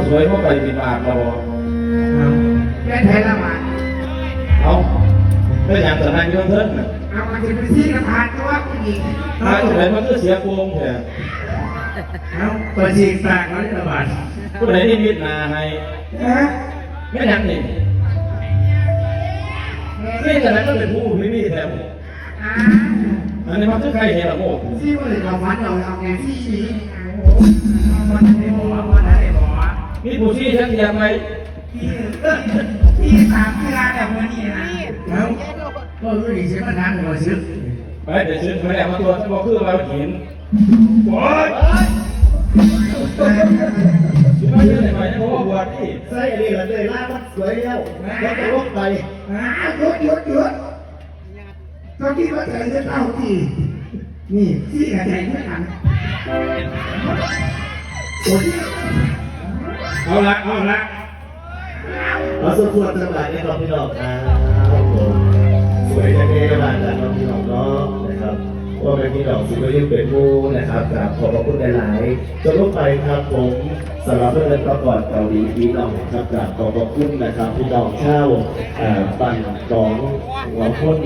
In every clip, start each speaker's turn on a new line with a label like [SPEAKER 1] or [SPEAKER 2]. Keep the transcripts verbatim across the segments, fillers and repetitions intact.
[SPEAKER 1] สวยเข้าไปบินบาทเรา
[SPEAKER 2] ได้ไทยละมา
[SPEAKER 1] เอาไม่อยากจะนั่งยนเทิร์น
[SPEAKER 2] เอามาจะไปที่กระพานตัวผู้หญิง
[SPEAKER 1] ถ้าจะไหนมันก็เสียโกงแท้
[SPEAKER 2] เอาตัวจริงสร้างร้อยละบาท
[SPEAKER 1] ผู้ใดที่มิดนาให้ไม่ยังนี่นี่แต่นั้นก็เป็นผู้ไม่มีแถมอันนี้มันคือใครเห็นหรอโม่
[SPEAKER 2] ที่ว่าเราฟันเราเอาไงที่นี้มันได้บอกว่าได้บอก
[SPEAKER 1] มีผู้ชี้ชักยามไหม
[SPEAKER 2] ที่ที่สามเวลาแบบวันนี้นะแล้วก็รู้ดีใช่ไหมทางหัวซื้อ
[SPEAKER 1] ไปเดี๋ยวซื้อไปแล้วมาตัวถ้าบอกคือเราเห็นโอ้ยซื้อมาเยอะเลยไหมเพราะว่าบวชนี่
[SPEAKER 3] ใส่อะไรกันเลยล่ามันสวยแล้วแล้วจะลบไป
[SPEAKER 2] หยุดหยุดหยุดตอนที่ว่าใส่เสื้อเต้าที่นี่ที่กระแทกไม่ทัน
[SPEAKER 1] เอาละเอาละ
[SPEAKER 3] เราสมควรทั้งหลายในรอบพี่น้องครับสวยแน่ๆบ้านกันรอบพี่น้องเนาะนะครับว่าเป็นพี่น้องสิ่งที่เป็นผู้นะครับกราบขอบพระคุณหลายๆจนลงไปครับผมสำหรับเรื่องประกอบเกาหลีพี่น้องครับกราบขอบพระคุณนะครับพี่น้องเช่าปั่นสองหัวพ้น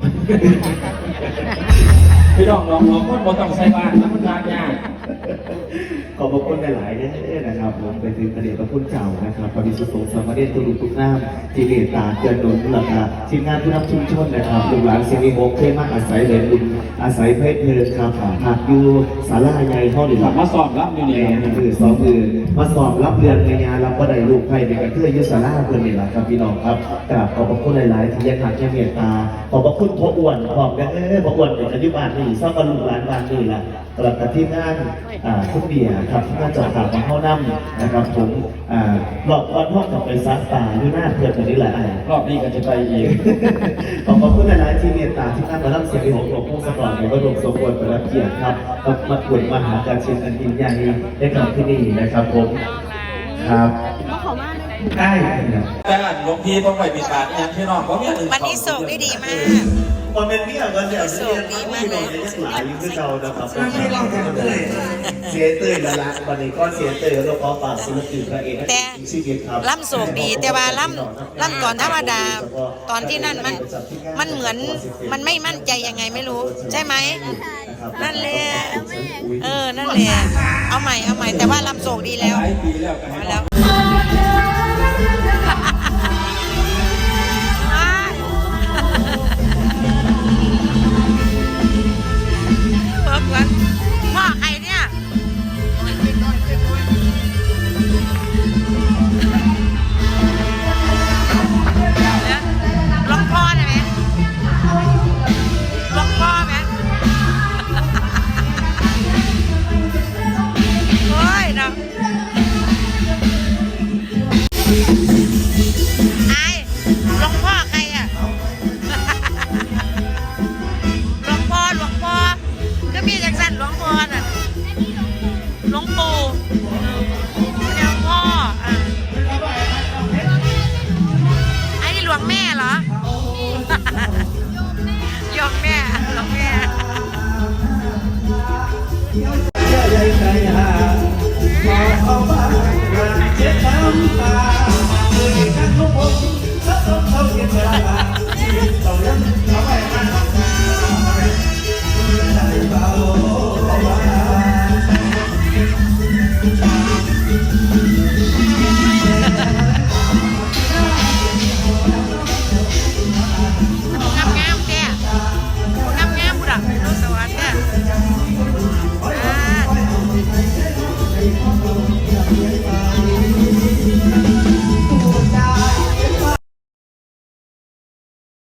[SPEAKER 1] พี่น้องลองลองคนบนต้องใช้บ้านแล้วมันยากยาก
[SPEAKER 3] ขอบพระคุณหลายๆเนี่ยนะครับผมไปถึงประเดี๋ยวพระคุณเจ้านะครับพระบิสุทธิ์สมเด็จตุลุทุกน้ำที่เมตตาเกินหนุนหลักการทีมงานผู้นำชุมชนนะครับลูกหลานเสียงมีโมกเท่มากอาศัยเหรียญบุญอาศัยเพชรเพลินครับหากอยู่ศาลาใหญ่ห้องหรือ
[SPEAKER 1] มาสอบรับอยู่นี่
[SPEAKER 3] คือสองคือมาสอบรับเรียนในงานรับก็ได้ลูกไพ่ในการเพื่อยุศาลาเพื่อนนี่แหละครับพี่น้องครับกราบขอบพระคุณหลายๆที่ยังหักยังเมตตาขอบพระคุณพ่ออ้วนขอบกันเออพ่ออ้วนเป็นอธิบาลนี่ซ่อมบรรลุหลานบ้านนี่แหละตลอดที่งานทุกเบียร์ครับที่งานจอดถามมาเข้าน้ำนะครับผมรอบวันห้องกับไปซักตาอยู่หน้าเพื่อนคนนี้แหละ
[SPEAKER 1] รอบนี้ก็จะไปอีก
[SPEAKER 3] ขอบพระคุณหลายๆที่เมตตาที่ท่านมารับเสียงของหลวงพ่อสปอร์ตในวัดหลวงสมบูรณ์ประดับเกียรติครับมาตรวจมหาการเชิญอันยิ่งใหญ่ได้กลับที่นี่นะครับผมครับ
[SPEAKER 2] ได้
[SPEAKER 1] แต่หลวงพี่ต้องไปปิดบาทอย่างที่น้องเขาเนี่ย
[SPEAKER 4] วันนี้ส่งได้ดีมาก
[SPEAKER 3] คนเป็นพี่กับคนเดียวเรียนที่น้องเรียนหลายยิ่งขึ้นเรานะครับเสียเตยละละวันนี้ก็เสียเตยแล้วก็ฝากศิลปินพระเอก
[SPEAKER 4] แต่ล่ำโศกดีแต่ว่าล่ำล่ำก่อนธรรมดาตอนที่นั่นมันมันเหมือนมันไม่มั่นใจยังไงไม่รู้ใช่ไหมนั่นแหละเออนั่นแหละเอาใหม่เอาใหม่แต่ว่าล่ำโศกดีแล้วแล้วพ่อใครเนี่ยลองพ่อได้ไหมลองพ่อไหมโอ้ยนะไอ้ลองพ่อใครอ่ะลองพ่อหลวงพ่อก็มีจังสันหลวงพ่อน่ะหลวงปู่